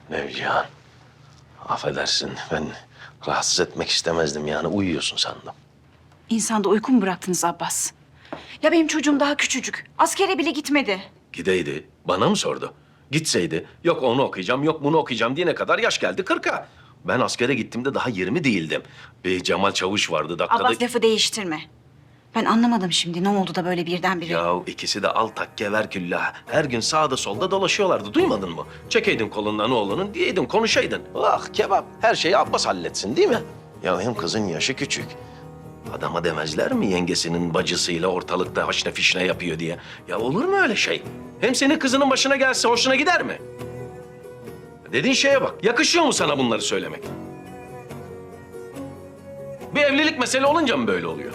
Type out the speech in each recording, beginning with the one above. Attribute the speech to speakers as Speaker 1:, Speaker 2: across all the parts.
Speaker 1: Nevcihan, affedersin ben rahatsız etmek istemezdim yani uyuyorsun sandım.
Speaker 2: İnsanda uyku mu bıraktınız Abbas? Ya benim çocuğum daha küçücük. Askere bile gitmedi.
Speaker 1: Gideydi, bana mı sordu? Gitseydi, yok onu okuyacağım, yok bunu okuyacağım diyene kadar yaş geldi 40'a. Ben askere gittiğimde daha 20 değildim. Bir Cemal Çavuş vardı dakikada...
Speaker 2: Abbas lafı değiştirme. Ben anlamadım şimdi ne oldu da böyle birdenbire.
Speaker 1: Ya ikisi de al takke ver küllah. Her gün sağda solda dolaşıyorlardı. Duymadın mı? Çekeydin kolundan oğlunun diyeydin konuşaydın. Ah kebap. Her şeyi Abbas halletsin değil mi? Ya hem kızın yaşı küçük. Adama demezler mi yengesinin bacısıyla ortalıkta haşne fişne yapıyor diye? Ya olur mu öyle şey? Hem senin kızının başına gelse hoşuna gider mi? Dediğin şeye bak. Yakışıyor mu sana bunları söylemek? Bir evlilik mesele olunca mı böyle oluyor?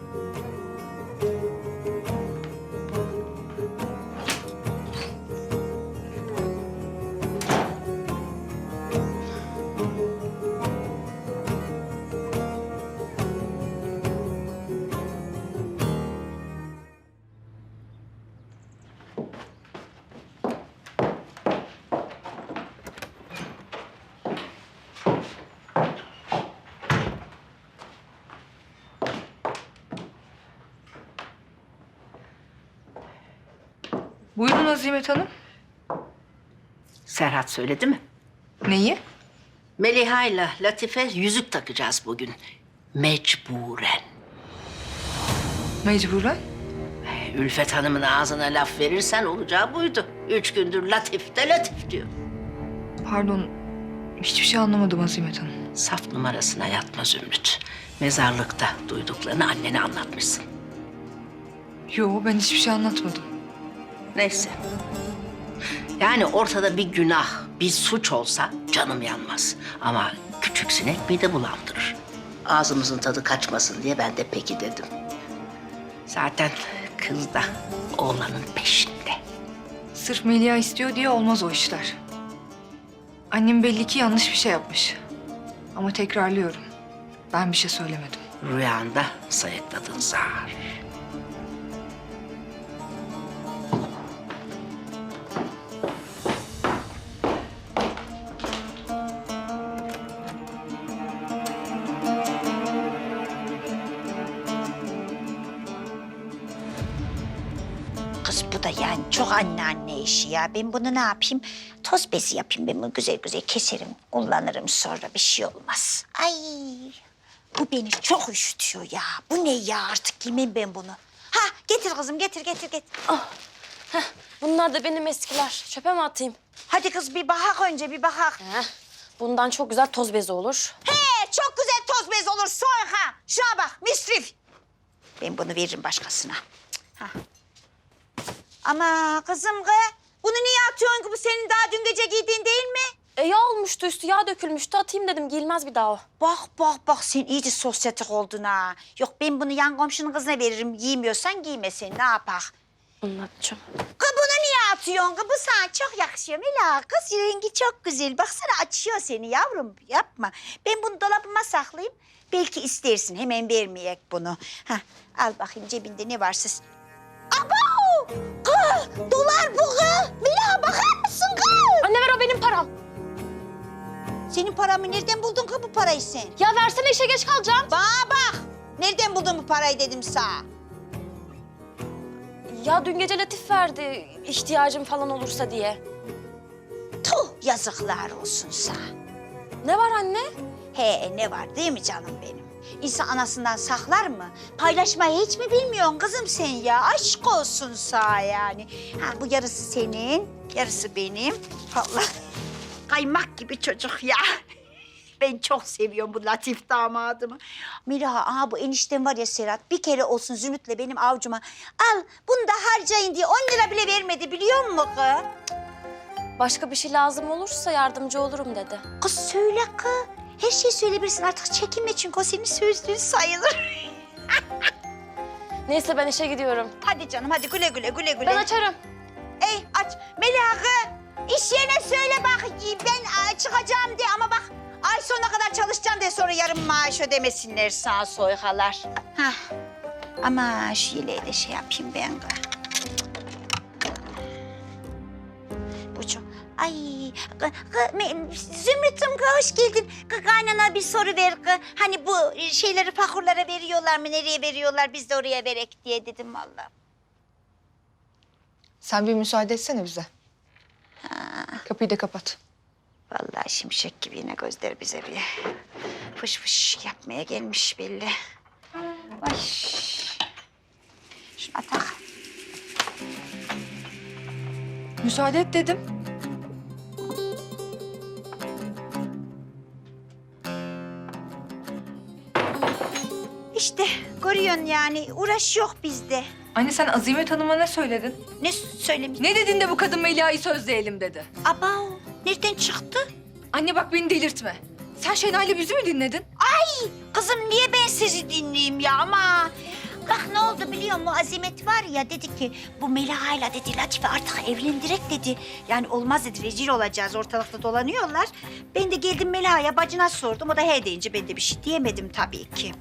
Speaker 3: Buyurun Azimet Hanım.
Speaker 4: Serhat söyledi mi?
Speaker 3: Neyi?
Speaker 4: Meliha ile Latife yüzük takacağız bugün. Mecburen.
Speaker 3: Mecburen.
Speaker 4: Ülfet Hanım'ın ağzına laf verirsen olacağı buydu. 3 gündür Latif de Latif diyor.
Speaker 3: Pardon. Hiçbir şey anlamadım Azimet Hanım.
Speaker 4: Saf numarasına yatma Zümrüt. Mezarlıkta duyduklarını annene anlatmışsın.
Speaker 3: Yo, ben hiçbir şey anlatmadım.
Speaker 4: Neyse. Yani ortada bir günah, bir suç olsa canım yanmaz. Ama küçük sinek mide bulandırır. Ağzımızın tadı kaçmasın diye ben de peki dedim. Zaten kız da oğlanın peşinde.
Speaker 3: Sırf Melia istiyor diye olmaz o işler. Annem belli ki yanlış bir şey yapmış. Ama tekrarlıyorum. Ben bir şey söylemedim.
Speaker 4: Rüyanda sayıkladın zar.
Speaker 5: Kız bu da yani çok anneanne işi ya. Ben bunu ne yapayım? Toz bezi yapayım ben bunu güzel güzel keserim. Kullanırım sonra bir şey olmaz. Ay bu beni çok üşütüyor ya. Bu ne ya artık giymem ben bunu. Ha getir kızım getir.
Speaker 6: Bunlar da benim eskiler. Çöpe mi atayım?
Speaker 5: Hadi kız bir bakak önce bir bakak.
Speaker 6: Bundan çok güzel toz bezi olur.
Speaker 5: He çok güzel toz bez olur soy ha. Şuna bak müsrif. Ben bunu veririm başkasına. Cık, ha. Ama kızım kız bunu niye atıyorsun ki bu senin daha dün gece giydiğin değil mi?
Speaker 6: Yağ olmuştu üstü, yağ dökülmüştü. Atayım dedim, giyilmez bir daha o.
Speaker 5: Bak sen iyice sosyetik oldun ha. Yok ben bunu yan komşunun kızına veririm. Giymiyorsan giyme sen ne yapak?
Speaker 6: Anlatacağım.
Speaker 5: Kız bunu niye atıyorsun? Kız bu sana çok yakışıyor Mela. Kız rengi çok güzel. Baksana açıyor seni yavrum. Yapma. Ben bunu dolabıma saklayayım. Belki istersin. Hemen vermeyek bunu. Hah, al bakayım cebinde ne varsa. Abo! Kız dolar bu kız. Mela bakar mısın kız?
Speaker 6: Anne ver, o benim param.
Speaker 5: Senin paramı nereden buldun kız bu parayı sen?
Speaker 6: Ya versene, işe geç kalacağım.
Speaker 5: Bana bak. Nereden buldun bu parayı dedim sana.
Speaker 6: Ya dün gece Latif verdi, ihtiyacım falan olursa diye.
Speaker 5: Tuh yazıklar olsun sana.
Speaker 6: Ne var anne?
Speaker 5: He ne var değil mi canım benim? İnsan anasından saklar mı? Paylaşmayı hiç mi bilmiyorsun kızım sen ya? Aşk olsun sana yani. Ha bu yarısı senin, yarısı benim. Allah kaymak gibi çocuk ya. Ben çok seviyorum bu Latif damadımı. Miraha, aha bu eniştem var ya Serhat, bir kere olsun Zümrüt'le benim avcuma al bunu da harcayın diye 10 lira bile vermedi biliyor musun kız?
Speaker 6: Başka bir şey lazım olursa yardımcı olurum dedi.
Speaker 5: Kız söyle kız. Her şeyi söyleyebilirsin artık çekinme çünkü o senin sözlüğün sayılır.
Speaker 6: Neyse ben işe gidiyorum.
Speaker 5: Hadi canım hadi güle güle.
Speaker 6: Ben açarım.
Speaker 5: Ey aç. Meliha kız, iş yerine söyle bak ben çıkacağım diye ama bak ay sonuna kadar çalışacağım diye sonra yarım maaş ödemesinler sağ soykalar. Hah. Ama şu yeleği de şey yapayım ben kız. Bu çok... Ay, Zümrüt'üm hoş geldin. Kaynana bir soru ver. Hani bu şeyleri fakurlara veriyorlar mı? Nereye veriyorlar? Biz de oraya verek diye dedim vallahi.
Speaker 3: Sen bir müsaade etsene bize. Kapıyı da kapat.
Speaker 5: Vallahi şimşek gibi yine gözler bize bir fış fış yapmaya gelmiş belli. Ay. Şuna tak.
Speaker 3: Müsaade et dedim.
Speaker 5: İşte görüyorsun yani uğraş yok bizde.
Speaker 3: Anne sen Azimet Hanım'a ne söyledin?
Speaker 5: Ne söylemiş?
Speaker 3: Ne dedin de bu kadın Melia'yı sözleyelim dedi?
Speaker 5: Aba nereden çıktı?
Speaker 3: Anne bak beni delirtme. Sen Şenay'la bizi mi dinledin?
Speaker 5: Kızım niye ben sizi dinleyeyim ya ama... Bak ne oldu biliyor musun? Azimet var ya dedi ki bu Meliha'yla dedi Latife artık evlendirek dedi. Yani olmaz dedi rezil olacağız ortalıkta dolanıyorlar. Ben de geldim Meliha'ya bacına sordum. O da he deyince ben de bir şey diyemedim tabii ki.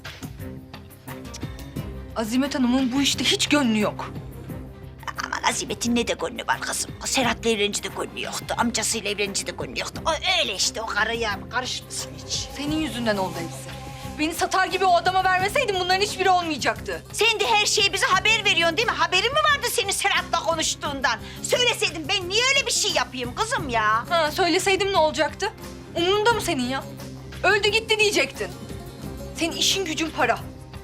Speaker 3: Azimet Hanım'ın bu işte hiç gönlü yok.
Speaker 5: Aman Azimet'in ne de gönlü var kızım. Serhat'la evlenince de gönlü yoktu. Amcasıyla evlenince de gönlü yoktu. O öyle işte o karı ya. Karışmasın hiç.
Speaker 3: Senin yüzünden oldu hepsi. Beni satar gibi o adama vermeseydin bunların hiçbiri olmayacaktı.
Speaker 5: Sen de her şeyi bize haber veriyorsun değil mi? Haberin mi vardı senin Serhat'la konuştuğundan? Söyleseydin ben niye öyle bir şey yapayım kızım ya?
Speaker 3: Ha söyleseydim ne olacaktı? Umurunda mı senin ya? Öldü gitti diyecektin. Senin işin gücün para.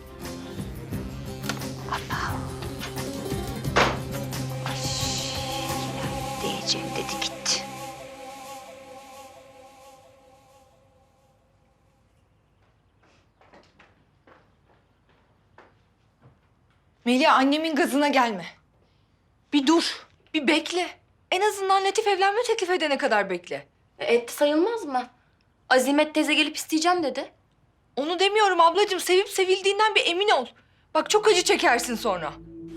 Speaker 5: Diyeceğim dedi gitti.
Speaker 3: Melia annemin gazına gelme. Bir dur, bir bekle. En azından Latif evlenme teklif edene kadar bekle.
Speaker 6: Etti sayılmaz mı? Azimet teyze gelip isteyeceğim dedi.
Speaker 3: Onu demiyorum ablacığım. Sevip sevildiğinden bir emin ol. Bak çok acı çekersin sonra.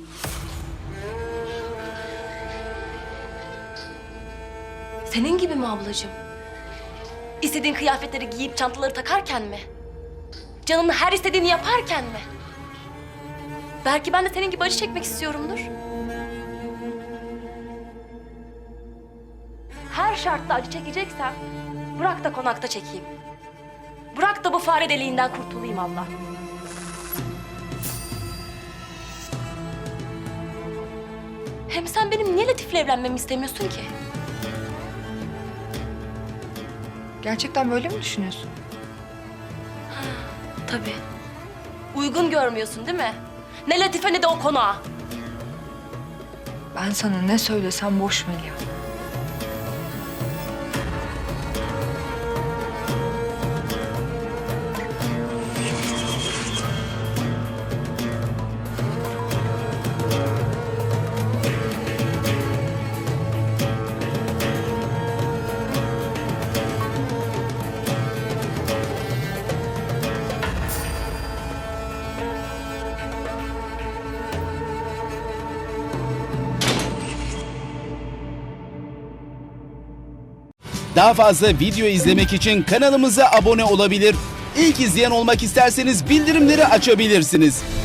Speaker 6: Senin gibi mi ablacığım? İstediğin kıyafetleri giyip çantaları takarken mi? Canının her istediğini yaparken mi? Belki ben de senin gibi acı çekmek istiyorumdur. Her şartla acı çekeceksem bırak da konakta çekeyim. Bırak da bu fare deliğinden kurtulayım Allah. Hem sen benim niye Latif'le evlenmemi istemiyorsun ki?
Speaker 3: Gerçekten böyle mi düşünüyorsun?
Speaker 6: Tabii. Uygun görmüyorsun değil mi? Ne Latife ne de o konağa.
Speaker 3: Ben sana ne söylesem boş Melia.
Speaker 7: Daha fazla video izlemek için kanalımıza abone olabilir. İlk izleyen olmak isterseniz bildirimleri açabilirsiniz.